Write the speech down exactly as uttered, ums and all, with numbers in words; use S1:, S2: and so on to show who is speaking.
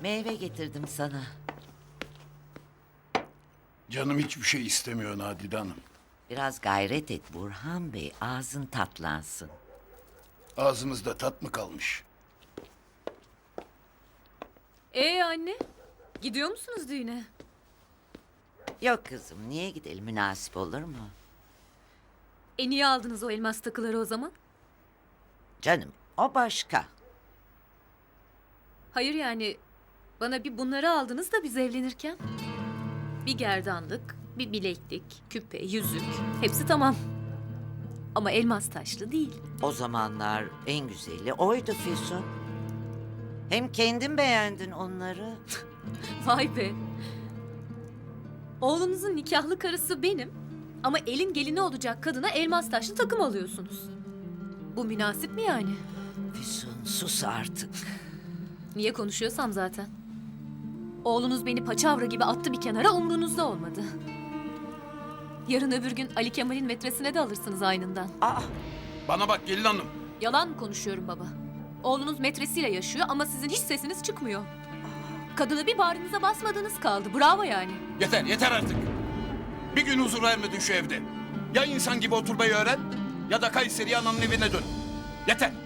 S1: Meyve getirdim sana.
S2: Canım hiçbir şey istemiyor Nadide Hanım.
S1: Biraz gayret et Burhan Bey, ağzın tatlansın.
S2: Ağzımızda tat mı kalmış?
S3: Ee anne, gidiyor musunuz düğüne?
S1: Yok kızım, niye gidelim, münasip olur mu?
S3: E niye aldınız o elmas takıları o zaman?
S1: Canım, o başka.
S3: Hayır yani, bana bir bunları aldınız da biz evlenirken. Bir gerdanlık, bir bileklik, küpe, yüzük, hepsi tamam. Ama elmas taşlı değil.
S1: O zamanlar en güzeli oydu Füsun. Hem kendin beğendin onları.
S3: Vay be. Oğlunuzun nikahlı karısı benim. Ama elin gelini olacak kadına elmas taşlı takım alıyorsunuz. Bu münasip mi yani?
S1: Füsun sus artık.
S3: Niye konuşuyorsam zaten. Oğlunuz beni paçavra gibi attı bir kenara, umrunuzda olmadı. Yarın öbür gün Ali Kemal'in metresine de alırsınız aynından.
S1: Aa,
S2: Bana bak gelin hanım.
S3: Yalan mı konuşuyorum baba? Oğlunuz metresiyle yaşıyor ama sizin hiç sesiniz çıkmıyor. Kadına bir bağrınıza basmadığınız kaldı. Bravo yani.
S4: Yeter, yeter artık. Bir gün huzur vermedin şu evde. Ya insan gibi oturmayı öğren ya da Kayseri'ye ananın evine dön. Yeter.